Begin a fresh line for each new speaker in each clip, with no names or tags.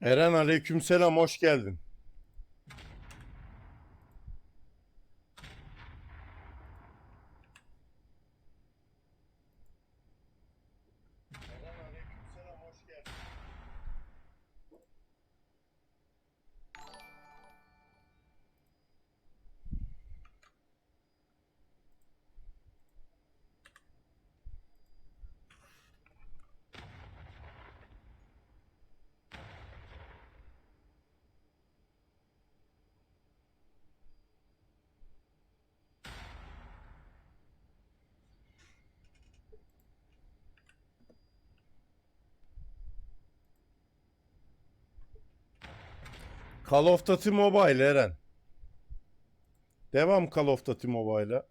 Eren aleykümselam hoş geldin. Eren aleykümselam hoş geldin. Call of Duty Mobile Eren. Devam Call of Duty Mobile'a.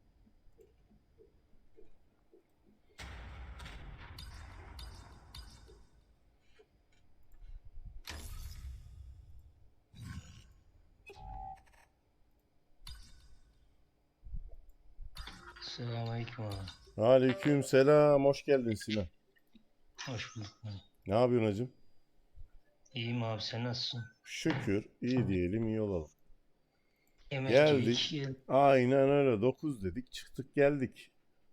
Selamünaleyküm abi.
Aleykümselam hoş geldin Sinan.
Hoş bulduk abi.
Ne yapıyorsun hacım?
İyiyim abi, sen nasılsın?
Şükür iyi diyelim iyi olalım.
Emeklilik.
Geldik. Aynen öyle 9 dedik çıktık geldik.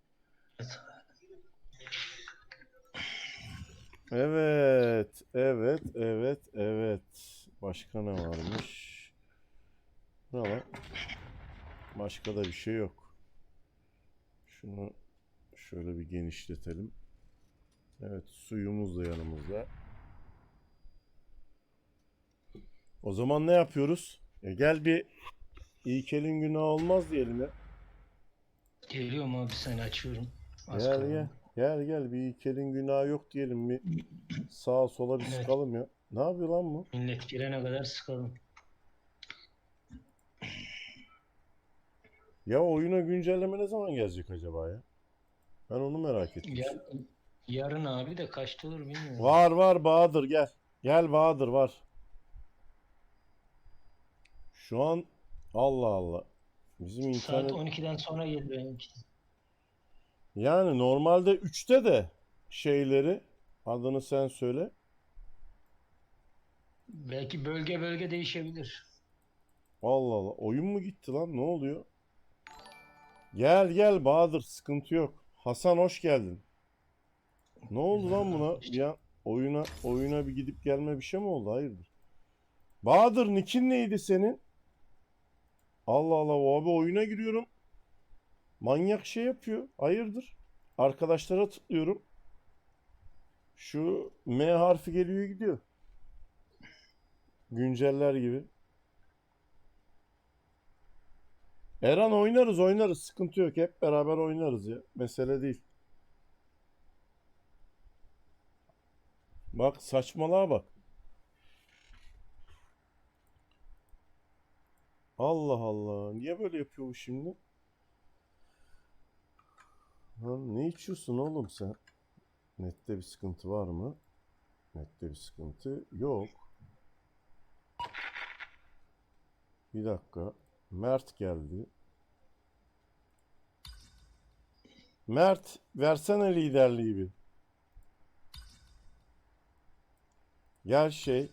Evet, evet, evet, evet. Başka ne varmış? Ne var? Başka da bir şey yok. Şunu şöyle bir genişletelim. Evet, suyumuz da yanımızda. O zaman ne yapıyoruz? Gel bir ilk elin günah olmaz diyelim ya.
Geliyorum abi, seni açıyorum. Az
Gel gel.
kaldı.
Gel bir ilk elin günahı yok diyelim bir. Sağa sola bir
Evet,
sıkalım ya. Ne yapıyor lan bu?
millet girene kadar sıkalım.
Ya oyuna güncelleme ne zaman gelecek acaba ya? Ben onu merak ettim
Yar,
şimdi.
yarın abi de kaçta olur bilmiyorum.
Var Bahadır gel. Gel Bahadır var. Şu an Allah Allah. Bizim
Saat
internet
12'den sonra gelir benimki.
yani normalde 3'te de şeyleri adını sen söyle.
Belki bölge bölge değişebilir.
Allah Allah. Oyun mu gitti lan? Ne oluyor? Gel Bahadır. Sıkıntı yok. Hasan hoş geldin. Ne oldu lan buna? Bir
İşte
an oyuna bir gidip gelme bir şey mi oldu? Hayırdır? Bahadır nickin neydi senin? Allah Allah abi oyuna giriyorum. Manyak şey yapıyor. Hayırdır? Arkadaşlara tıklıyorum. Şu M harfi geliyor gidiyor. Günceller gibi. Eren oynarız. Sıkıntı yok. Hep beraber oynarız ya. Mesele değil. Bak saçmalığa bak. Allah Allah. Niye böyle yapıyor bu şimdi? Lan ne içiyorsun oğlum sen? Nette bir sıkıntı var mı? Nette bir sıkıntı yok. Bir dakika. Mert geldi. Mert versene liderliği bir. Gel şey.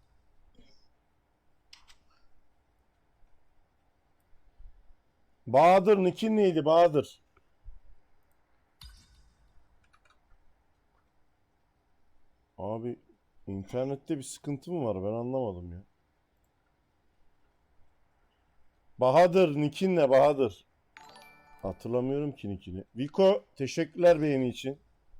Bahadır nickin neydi Bahadır? Abi internette bir sıkıntı mı var? Ben anlamadım ya. Bahadır nickin ne Bahadır? Hatırlamıyorum ki nickini. Viko teşekkürler beğeni için.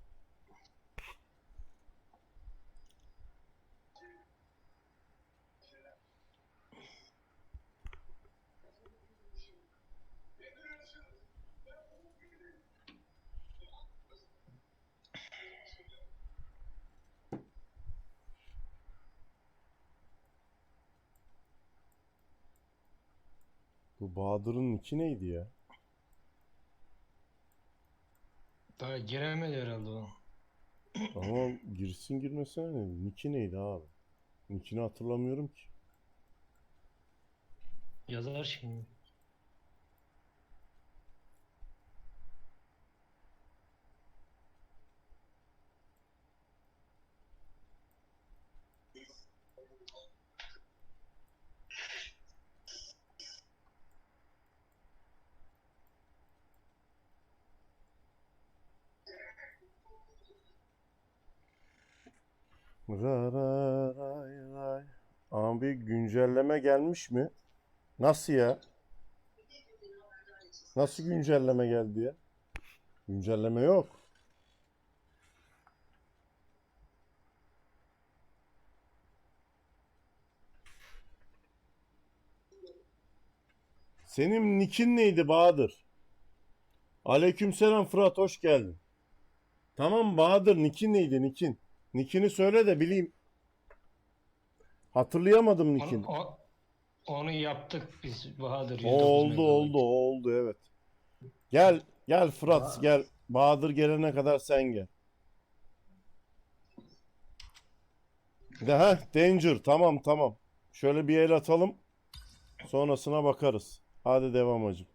Bu Bahadır'ın nicki neydi ya?
daha giremedi herhalde o.
Ama girsin girmesine ne? Nicki neydi abi? Nickini hatırlamıyorum ki.
Yazar şimdi.
Ray. Abi güncelleme gelmiş mi? Nasıl ya? Nasıl güncelleme geldi ya? Güncelleme yok. Senin nickin neydi Bahadır? Aleykümselam Fırat, hoş geldin. Tamam Bahadır, nickin neydi nickin? Nickini söyle de bileyim. Hatırlayamadım
Onu,
nickini.
onu yaptık biz Bahadır 109
Oldu evet. Gel Fırat
Aa.
gel. Bahadır gelene kadar sen gel. Danger, tamam. Şöyle bir el atalım. Sonrasına bakarız. Hadi devam hacım.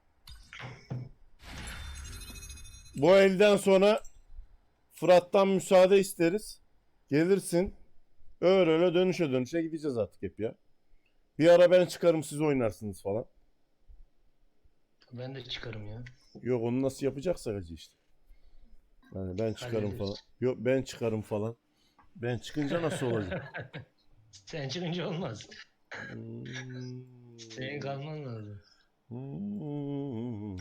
Bu elden sonra Fırat'tan müsaade isteriz. Gelirsin. Öyle dönüşe gideceğiz artık hep ya. Bir ara ben çıkarım, siz oynarsınız falan.
Ben de çıkarım ya.
Yok, onu nasıl yapacaksak hacı işte. Yani ben çıkarım
Hallederiz.
falan. Yok, ben çıkarım falan. Ben çıkınca nasıl olacak?
Sen çıkınca olmaz.
Hmm.
Senin kalman lazım.
Hmm.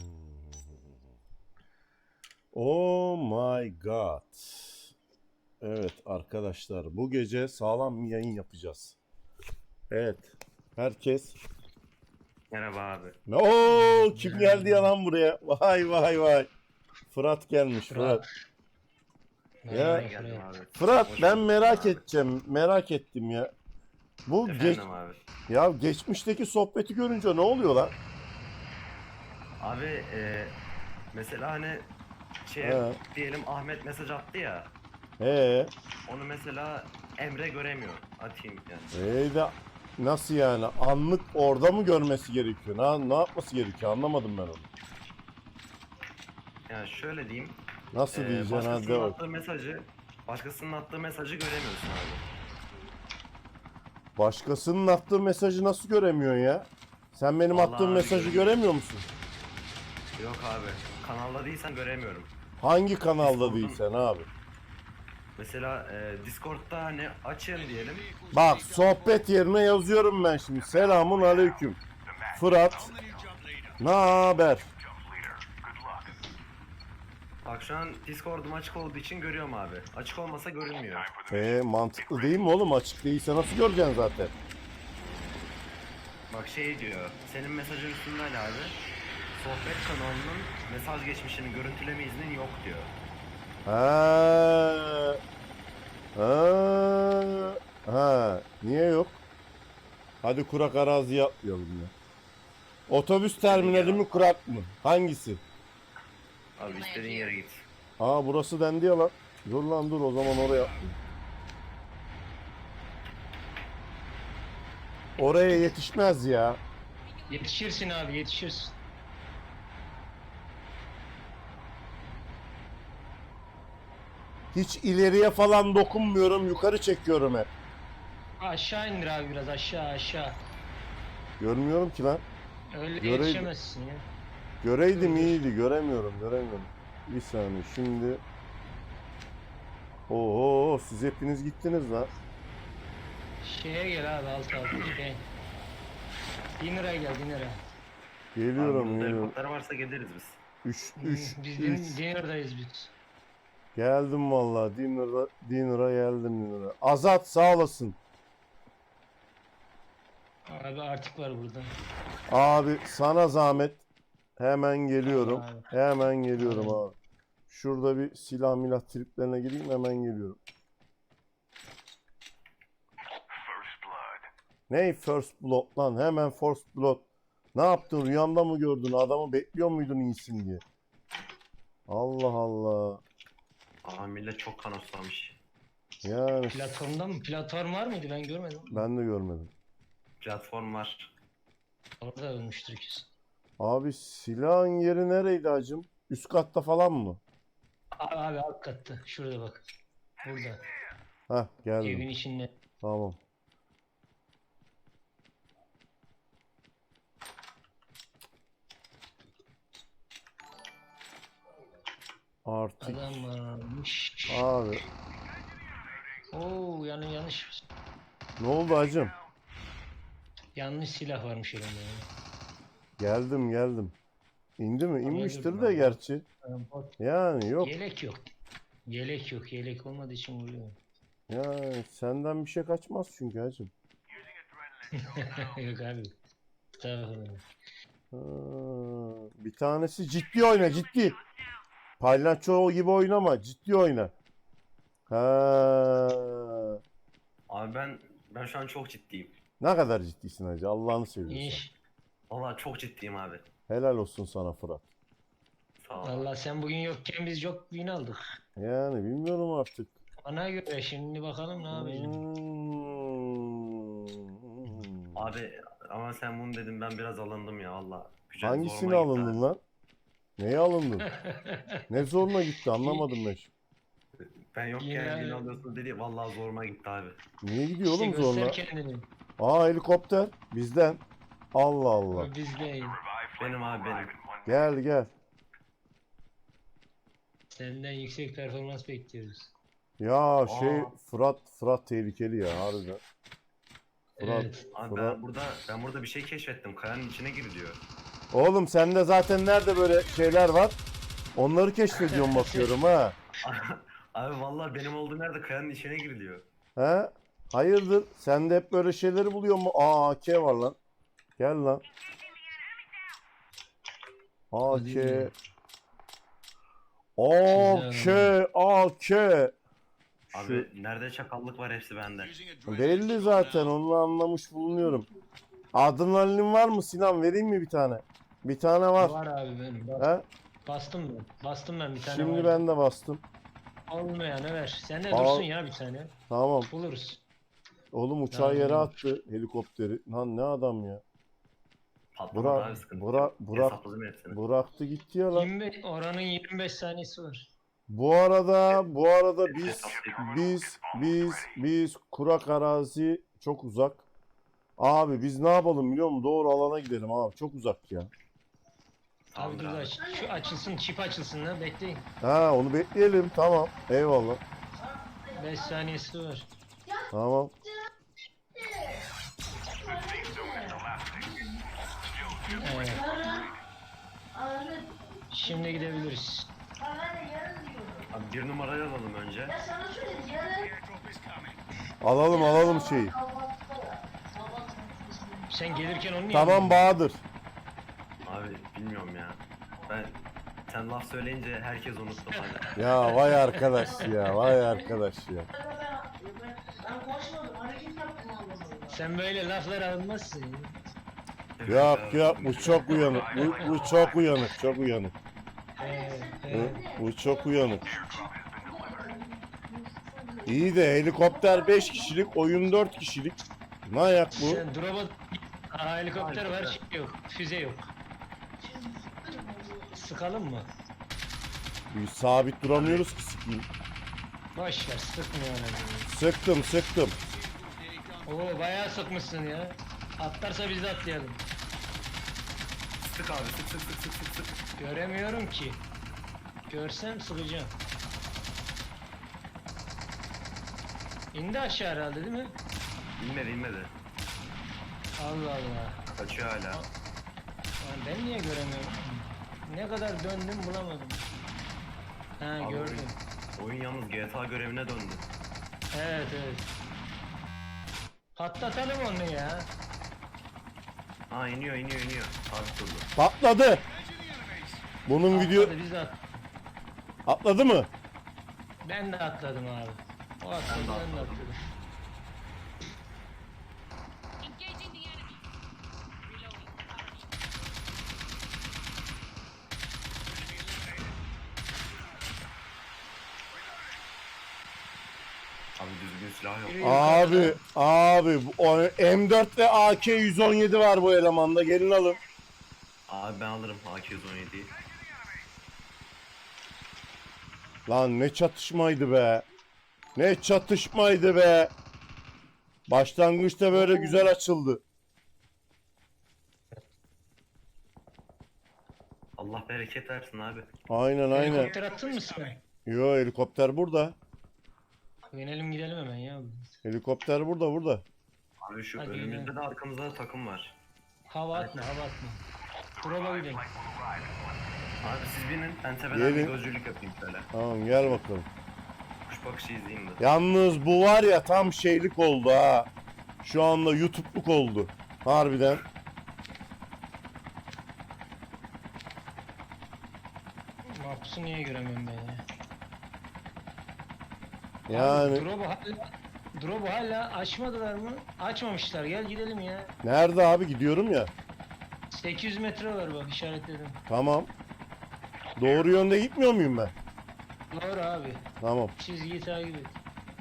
Oh my god. Evet arkadaşlar, bu gece sağlam bir yayın yapacağız. Evet. Herkes.
Merhaba abi.
Oo, kim geldi ya lan buraya? Vay. Fırat gelmiş Fırat.
Merhaba
Ya
Ben geldim
Fırat.
abi.
Fırat,
Hoş
ben
bulduk
merak
abi.
edeceğim. Merak ettim ya. Bu
Efendim abi.
ya geçmişteki sohbeti görünce ne oluyor lan?
Abi mesela hani
He.
diyelim Ahmet mesaj attı ya.
Ee,
Onu mesela Emre göremiyor. Atayım yani.
de nasıl yani? Anlık orada mı görmesi gerekiyor? Ne yapması gerekiyor? Anlamadım ben onu.
Yani şöyle diyeyim.
Nasıl diyeceksin hadi
Başkasının
bak.
başkasının attığı mesajı göremiyorsun abi.
Başkasının attığı mesajı nasıl göremiyorsun ya? Sen benim
Vallahi
attığım
abi
mesajı
göremiyorum.
göremiyor musun?
Yok abi. Kanalda değilsen göremiyorum.
Hangi kanalda
Discord'un-
değilsen abi?
Mesela Discord'da hani açın diyelim.
Bak, sohbet yerine yazıyorum ben şimdi. Selamun aleyküm. Fırat. Ne haber?
Bak şu an Discord'um açık olduğu için görüyorum abi. Açık olmasa görünmüyor.
Mantıklı değil mi oğlum? Açık değilse nasıl göreceksin zaten?
Bak şey diyor, senin mesajın üstünde Ali abi. Sohbet kanalının mesaj geçmişini görüntüleme iznin yok diyor.
Ha. Ha. Niye yok? Hadi kurak araziye atlayalım ya. Otobüs terminali mi, kurak mı? Hangisi?
Abi istediğin yere git.
Aa, burası dendi ya lan. Dur lan dur, o zaman oraya atlayayım. Oraya yetişmez ya.
Yetişirsin abi yetişirsin.
Hiç ileriye falan dokunmuyorum. Yukarı çekiyorum hep.
Aşağı indir abi biraz aşağı.
Görmüyorum ki lan.
Öyle
Göreydim.
yetişemezsin ya.
Göreydim
Dur.
iyiydi. Göremiyorum. Bir saniye şimdi. Oo, siz hepiniz gittiniz lan.
Şeye gel abi alt şey. Dinner'a gel Dinner'a.
Abi
Geliyorum.
burada helikopter varsa geliriz biz.
3.
Biz Dinner'dayız biz.
Geldim vallahi. Dinner'a geldim. Azat, sağ olasın.
Abi artık var burada.
Abi sana zahmet. Hemen geliyorum.
Tamam abi.
Hemen geliyorum
Tamam.
abi. Şurada bir silah milah triplerine gireyim, hemen geliyorum. Ney first blood lan? Hemen first blood. Ne yaptın? Rüyanda mı gördün? Adamı bekliyor muydun iyisin diye? Allah Allah.
Aa millet çok kanoslamış.
Yani
Platformda mı? Platform var mıydı? Ben görmedim.
ben de görmedim.
Platform var.
Orada ölmüştür ikisi.
Abi silahın yeri nereydi hacım? Üst katta falan mı?
Abi alt katta. Şurada bak. Burada.
Heh, geldim.
Evin içinde.
Tamam. Artık
Adam varmış.
abi
Oo yani yanlış.
Ne oldu hacım?
Yanlış silah varmış elimde. Yani.
Geldim. İndi mi?
Ama
İnmiştir
öldürdüm
de
abi.
gerçi.
Bot.
Yani yok.
Yelek yok. Yelek yok. Yelek olmadığı için vuruyor.
Yani senden bir şey kaçmaz çünkü hacım.
Yok abi. Estağfurullah.
Ha, bir tanesi ciddi oyna ciddi. Palyaço gibi oynama. Ciddi oyna. Ha,
Abi ben şu an çok ciddiyim.
ne kadar ciddisin hacı? Allah'ını seviyorsan.
İş.
Vallahi çok ciddiyim abi.
Helal olsun sana Fırat.
Sağ ol.
Valla sen bugün yokken biz çok win aldık.
Yani bilmiyorum artık.
Ona göre şimdi bakalım ne yapacağız.
Abi ama sen bunu dedin, ben biraz alındım ya valla. Güzel,
Hangisine
zoruma gitti
alındın
abi.
lan? Neye alındın? Ne zoruna gitti anlamadım ben.
Ben yokken
Yine-
beni alıyorsun dedi, vallahi zoruma gitti abi.
Niye gidiyor
İşte
oğlum
göster
zorla?
kendini.
Aa helikopter bizden. Allah Allah.
O bizde.
Benim abi benim.
Gel.
Senden yüksek performans bekliyoruz.
Ya şey
Aa.
Fırat tehlikeli ya harbiden. Fırat,
Evet.
Abi
Fırat.
ben burada bir şey keşfettim. Kayanın içine gir diyor.
Oğlum sende zaten nerede böyle şeyler var? Onları keşfediyorum bakıyorum ha.
Abi vallahi benim olduğum yerde kayanın içine giriliyor.
He? Hayırdır? Sen de hep böyle şeyleri buluyor mu? Aa AK var lan. Gel lan.
Hadi be.
AK.
Abi nerede çakallık var, hepsi bende.
Belli zaten onu anlamış bulunuyorum. Adrenalin var mı Sinan? Vereyim mi bir tane? Bir tane var.
Var abi benim.
He?
Bastım ben. Bastım ben bir tane
Şimdi
var.
ben de bastım.
Olmayanı ver. Sen de
Al.
dursun ya bir tane.
Tamam.
Buluruz.
Oğlum uçağı yere
Tamam.
attı helikopteri. Lan ne adam ya.
Patlamadı abi, sıkıntı yok. Hesapladım hepsini.
Bıraktı gitti ya lan.
25, oranın 25 saniyesi var.
Bu arada biz kurak arazi çok uzak. Abi biz ne yapalım biliyor musun? Doğru alana gidelim abi. Çok uzak ya.
Abi
Tamamdır
dur
abi.
şu açılsın, çip açılsın lan bekleyin.
Ha onu bekleyelim. Tamam. Eyvallah.
5 saniyesi var.
Tamam.
Evet. Şimdi gidebiliriz.
Abi bir numarayı alalım önce.
Alalım şeyi.
Sen gelirken onu niye
Tamam
almadın?
Bahadır.
Abi bilmiyorum ya. Sen laf söyleyince herkes unuttu abi.
Ya vay arkadaş ya. Vay arkadaş ya.
Sen böyle laflar alınmazsın.
Yok bu çok uyanık. Bu çok uyanık. Çok uyanık.
Evet.
Bu çok uyanık. İyi de helikopter 5 kişilik, oyun 4 kişilik. Ne ayak bu?
Sen drop'a... Aa, helikopter var, şey yok. Füze yok. Sıkalım mı?
Bir sabit duramıyoruz ki sikeyim.
Boş ver, sıkmıyor
Sıktım.
Oo bayağı sıkmışsın ya. Atlarsa biz de atlayalım.
Sık abi, sık.
Göremiyorum ki. Görsem sıkacağım. İndi aşağı herhalde değil mi?
İnmedi.
Allah Allah.
Kaçıyor hala.
Lan ben niye göremiyorum? Ne kadar döndüm bulamadım. Ha
Abi,
gördüm.
Oyun yalnız GTA görevine döndü.
Evet. Patlatalım onu ya.
Aa iniyor. Sabit durdu.
Patladı. Bunun video
Atladı, biz de
atladı mı?
Ben de atladım abi. O atladı, ben de atladım.
Engaging the enemy. Reloading.
Abi düzgün silah yok.
Abi bu M4 ve AK 117 var bu elemanda. Gelin alın.
Abi ben alırım AK-117'yi.
Lan ne çatışmaydı be. Ne çatışmaydı be. Başlangıçta böyle güzel açıldı.
Allah bereket versin abi.
Aynen.
Helikopter attın mı sen?
Yo helikopter burada.
Binelim gidelim hemen ya.
Helikopter burada.
Abi şu
Hadi
önümüzde
gidelim.
de arkamızda da takım var.
Hava atma hava atma. Drop'a gidelim.
Abi siz binin, ben tepeden
Gelin.
bir gözcülük yapayım şöyle.
Tamam gel bakalım.
Kuş bakışı izleyeyim de.
Yalnız bu var ya tam şeylik oldu ha. Şu anda YouTube'luk oldu. Harbiden.
Maps'u niye göremiyorum ben ya?
Yani
Drop'u hala açmadılar mı? Açmamışlar. Gel gidelim ya.
nerede abi gidiyorum ya.
800 metre var bak işaretledim.
Tamam. Doğru yönde gitmiyor muyum ben?
Doğru abi.
Tamam.
Çizgiyi takip et.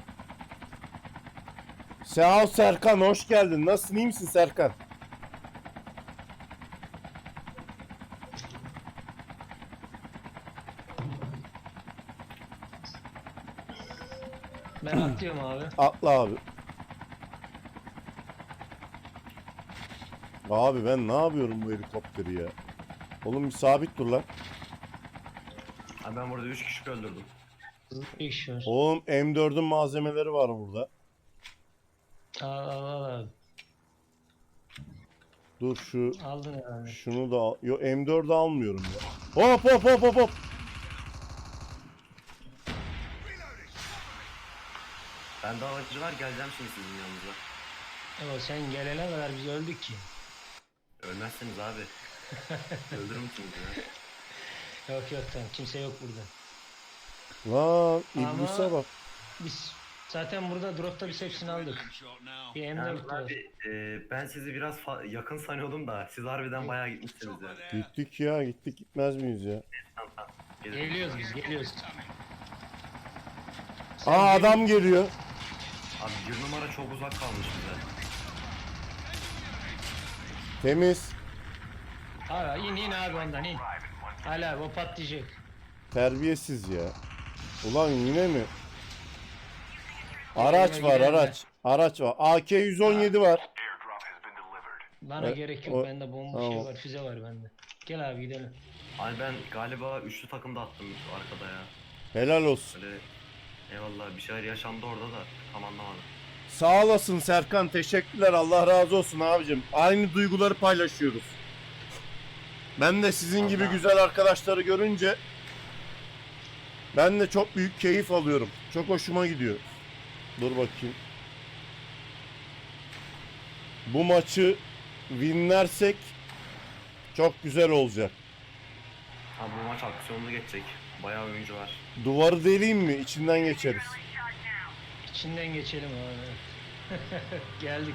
Sağ ol Serkan, hoş geldin. Nasılsın, iyi misin Serkan?
Ben atlıyorum abi.
Atla abi. Abi ben ne yapıyorum bu helikopteri ya? Oğlum bir sabit dur lan.
Abi ben burada 3 kişi öldürdüm.
Bir iş var.
Oğlum M4'ün malzemeleri var burada.
Al abi.
Dur şu
Aldın herhalde.
şunu da al. Yo M4'ü almıyorum ya. Hop.
Bende aracı var, geleceğim şimdi sizin yanınıza.
Evet sen gelene kadar biz öldük ki.
Ölmezsiniz abi. Öldürür müsünüz ya?
Yok tamam kimse yok burada.
Lan
Ama-
iblise bak.
Biz zaten burada dropta biz hepsini aldık. Bir M4
Yani
var.
abi ben sizi biraz yakın sanıyordum da siz harbiden bayağı gitmişsiniz ya.
Gittik ya, gitmez miyiz ya?
Tamam. Gelin.
Geliyoruz biz geliyoruz.
Aa adam geliyor.
Abi bir numara çok uzak kalmış bize.
Temiz.
Abi in abi ondan in. Hala o patlayacak.
Terbiyesiz ya. Ulan yine mi? Araç
Gelme,
var,
gelme.
araç var. AK-117 var.
Bana
Evet,
gerek yok
o-
bende bomba
tamam.
şey var füze var bende. Gel abi gidelim.
Abi ben galiba üçlü takımda attım arkada ya.
Helal olsun.
Böyle eyvallah bir şeyler yaşandı orada da tam anlamadım.
Sağ olasın Serkan, teşekkürler. Allah razı olsun abicim. Aynı duyguları paylaşıyoruz. Ben de sizin gibi
Allah.
güzel arkadaşları görünce ben de çok büyük keyif alıyorum. Çok hoşuma gidiyor. Dur bakayım. Bu maçı winlersek çok güzel olacak.
Abi bu maç aksiyonlu geçecek. Bayağı oyuncu var.
Duvarı deleyim mi? İçinden geçeriz.
İçinden geçelim abi. geldik.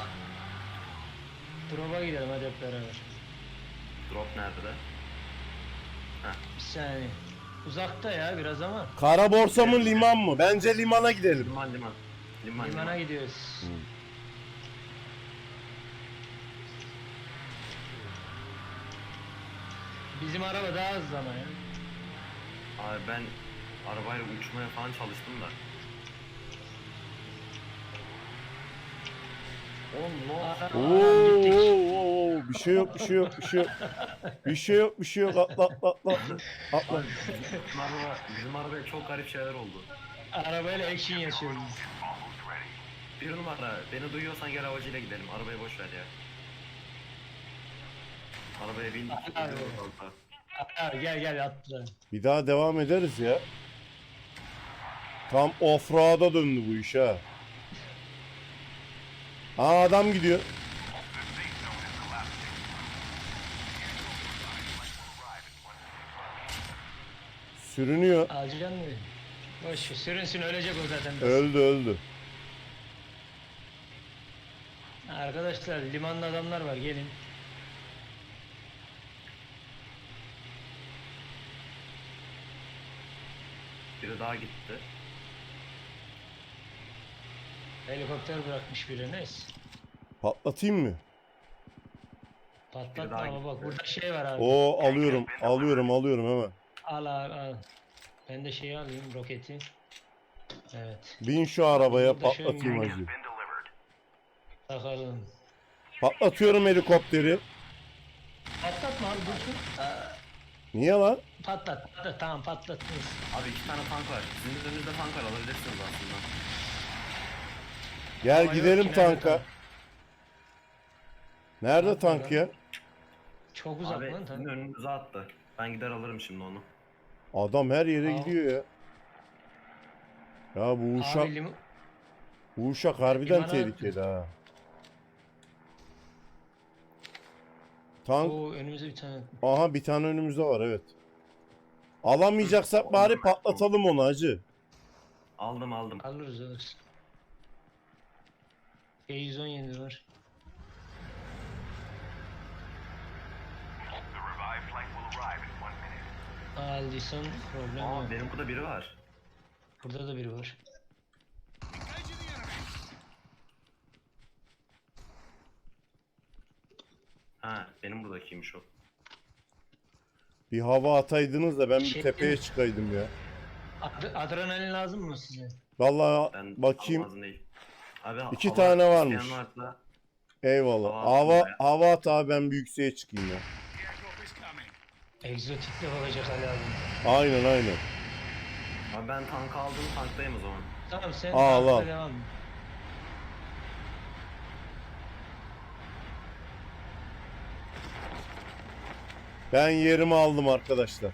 Drop'a gidelim hadi hep beraber.
Drop nerede?
Bir saniye. Uzakta ya biraz ama.
Kara borsa mı liman mı? Bence limana gidelim.
Liman.
Limana gidiyoruz. Bizim araba daha hızlı ama ya.
Abi ben arabayla uçmaya falan çalıştım da. Oğlum ne oldu?
Oo, bir şey yok. Bir şey yok. Atla.
Bizim arabaya çok garip şeyler oldu.
Arabayla action yaşıyoruz biz.
Bir numara beni duyuyorsan gel havacıyla gidelim. Arabayı boş ver ya. Arabaya bindik.
Abi. Abi gel atla.
Bir daha devam ederiz ya. Tam offroad'a döndü bu iş ha. Aa adam gidiyor. Sürünüyor.
Alacaksın mı? Boş ver, sürünsün ölecek o zaten.
Öldü.
Arkadaşlar limanda adamlar var gelin.
Biri daha gitti.
Helikopter bırakmış biri neyse.
Patlatayım mı?
Patlatma
Biri daha
ama bak
gitti.
burada şey var abi.
Oo alıyorum hemen.
Al abi al. Ben de şeyi alayım roketi. Evet.
Bin şu arabaya
Burada şöyle
patlatayım
bir-
hacı.
Takalım.
Patlatıyorum helikopteri.
Patlatma abi dursun.
Niye lan?
Patlat, patlat, tamam patlat. Neyse.
Abi 2 tane tank var. Sizin önünüzde tank var, alabilirsiniz aslında.
Gel
Hava yok
gidelim
ki, nerede
tanka.
tank?
Nerede
Nerede
tank
lan?
ya?
Çok uzak
Abi
lan
sizin
tank.
önünüze attı. Ben gider alırım şimdi onu.
Adam her yere
Aa.
gidiyor ya. Ya bu uşak,
Abi
bu uşak harbiden
limana-
tehlikeli ha. Tank,
Oo, önümüzde bir tane.
aha bir tane önümüzde var evet. Alamayacaksak bari patlatalım onu hacı.
Aldım aldım.
Alırız. E117 var. Aldıysan problem
Aa
yok.
benim burada biri var.
Burada da biri var.
Ha benim buradakiymiş o.
Bir hava ataydınız da ben bir
Şey-
tepeye çıkaydım ya.
Adrenalin lazım mı size?
Vallahi
Ben
bakayım.
almazım değil. Abi
İki
hava
tane
isteyen
varmış.
varsa
Eyvallah.
Hava
Hava,
atın ya.
hava at abi ben bir yükseğe çıkayım ya.
Egzotikli olacak Ali abi.
Aynen aynen.
Abi ben tank aldım, tanktayım o zaman.
Tamam sen
Al,
tankla
al.
devam et.
Ben yerimi aldım arkadaşlar.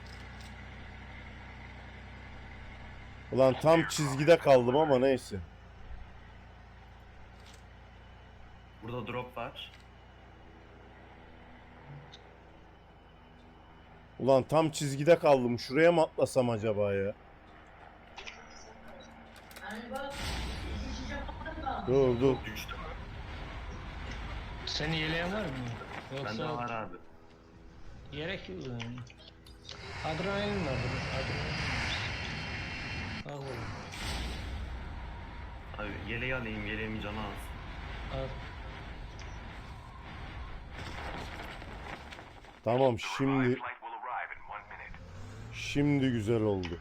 Ulan tam çizgide kaldım ama neyse.
Burada drop var.
Ulan tam çizgide kaldım. Şuraya mı atlasam acaba ya? Dur dur.
Düştü mü?
Senin yeleğin var mı?
Bende
Yoksa
var abi.
gerek yok yani. Adrenalin var burada. Adrenalin var. Al oğlum.
Abi yeleği alayım, yeleğimin canı az.
Al.
Tamam şimdi. Şimdi güzel oldu.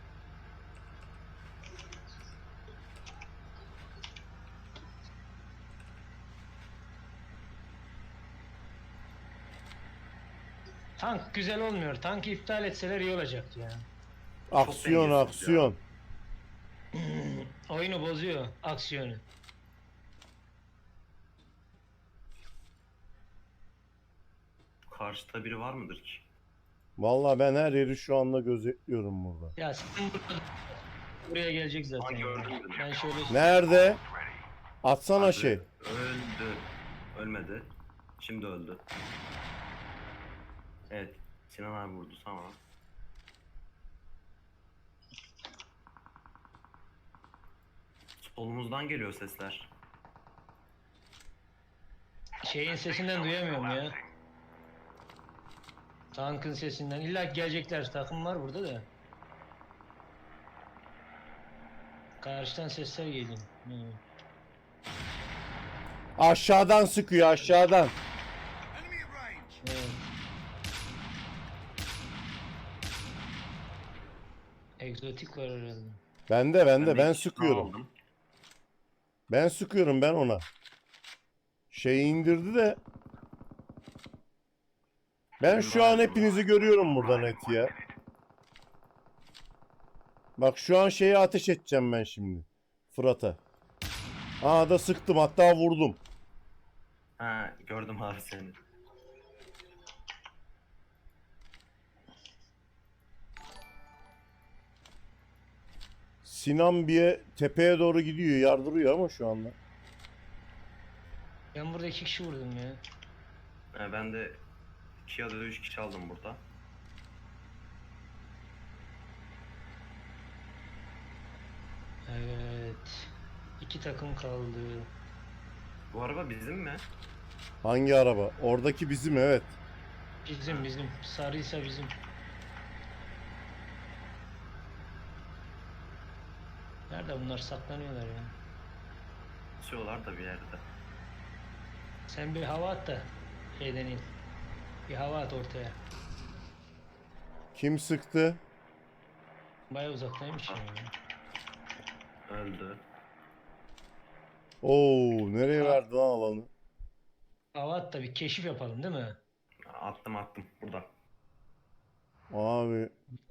Tank güzel olmuyor. Tankı iptal etseler iyi olacaktı ya.
Aksiyon
dengesiz
aksiyon.
Oyunu bozuyor aksiyonu.
Karşıda biri var mıdır ki?
Vallahi ben her yeri şu anda gözetliyorum burada.
Ya sen buraya gelecek zaten.
Hangi gördün mü?
Ben şöyle
Nerede? Atsana
Abi,
şey.
Öldü. Ölmedi. Şimdi öldü. Evet. Sinan abi vurdu tamam. Solumuzdan geliyor sesler.
şeyin sesinden duyamıyorum ya. Tankın sesinden. İlla ki gelecekler. Takım var burada da. Karşıdan sesler geliyor. Hı.
Aşağıdan sıkıyor aşağıdan.
Evet. Egzotik var herhalde.
Bende
Ben de
ben
iki tane
sıkıyorum.
aldım.
Ben sıkıyorum ben ona. Şeyi indirdi de. Ben şu an hepinizi görüyorum burada net ya. Bak şu an şeye ateş edeceğim ben şimdi. Fırat'a. Aa da sıktım hatta vurdum.
Ha gördüm abi seni.
Sinan bir tepeye doğru gidiyor yardırıyor ama şu anda.
Ben burada 2 kişi vurdum ya.
Ben de 2 ya da 3 kişi aldım burada.
Evet. 2 takım kaldı.
Bu araba bizim mi?
Hangi araba? Oradaki bizim evet.
Bizim. Sarıysa bizim. Nerede bunlar saklanıyorlar ya?
Tutuyorlar da bir yerde.
Sen bir hava at da şeyden in. Bir hava at ortaya.
Kim sıktı?
Baya uzaktaymış ya.
Öldü.
Oo nereye verdi lan alanı?
Hava at da bir keşif yapalım değil mi?
Attım burada.
Abi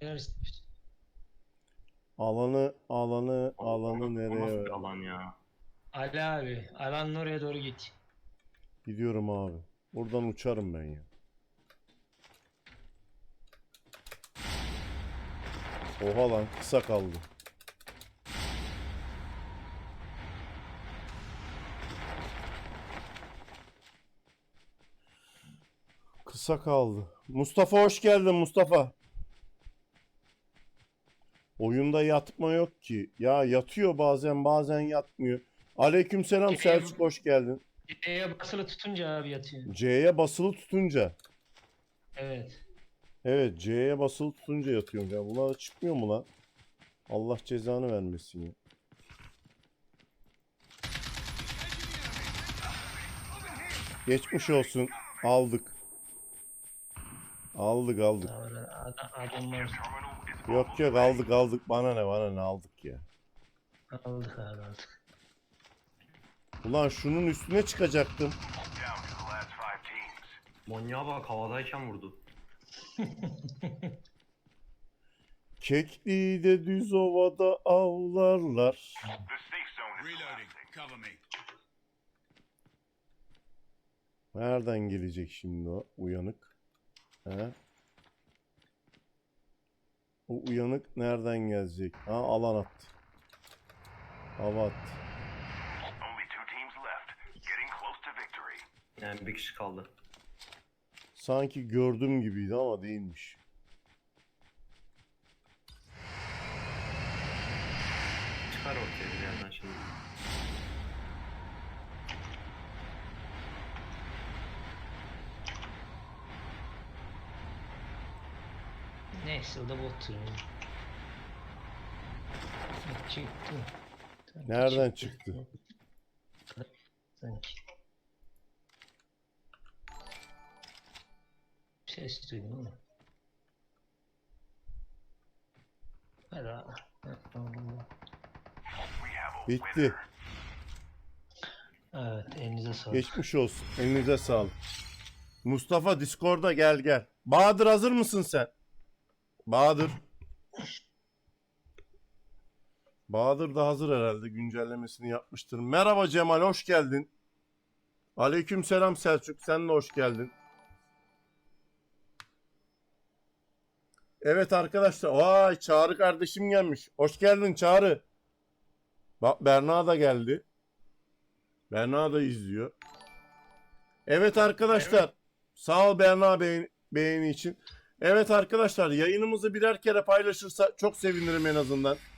alanı
Bu
nereye
nasıl
ver?
bir alan ya?
Ali abi alanın oraya doğru git.
Gidiyorum abi. Buradan uçarım ben ya. Oha lan kısa kaldı. Kısa kaldı. Mustafa hoş geldin Mustafa. Oyunda yatma yok ki. Ya yatıyor bazen yatmıyor. Aleykümselam Selçuk hoş geldin.
C'ye basılı tutunca abi yatıyor.
C'ye basılı tutunca.
Evet.
Evet C'ye basılı tutunca yatıyorum ya. Bunlar çıkmıyor mu lan? Allah cezanı vermesin ya. Geçmiş olsun. Aldık. Aldık.
Adam var.
Yok aldık. Bana ne aldık ya.
Aldık abi aldık.
Ulan şunun üstüne çıkacaktım.
Manyağa bak havadayken vurdu.
Kekli'de düz ovada avlarlar.
Reloading. Cover me.
Nereden gelecek şimdi o uyanık? He? O uyanık nereden gelecek? Ha alan attı. Hava attı.
Only 2 teams left. Getting close to victory.
Yani bir kişi kaldı.
Sanki gördüm gibiydi ama değilmiş.
Çıkar ortaya bir yerden şimdi.
Neyse o da bottur. Çıktı. Sanki
Nereden çıktı?
Sanki. Ses duydum ama. Hadi abi.
Bitti.
Evet elinize sağlık.
Geçmiş olsun. Elinize sağlık. Mustafa Discord'a gel. Bahadır hazır mısın sen? Bahadır. Bahadır da hazır herhalde. Güncellemesini yapmıştır. Merhaba Cemal hoş geldin. Aleykümselam Selçuk sen de hoş geldin. Evet arkadaşlar. Vay Çağrı kardeşim gelmiş. Hoş geldin Çağrı. Bak Berna da geldi. Berna da izliyor. Evet arkadaşlar. Sağ ol Berna beğeni için. Evet arkadaşlar yayınımızı birer kere paylaşırsa çok sevinirim en azından.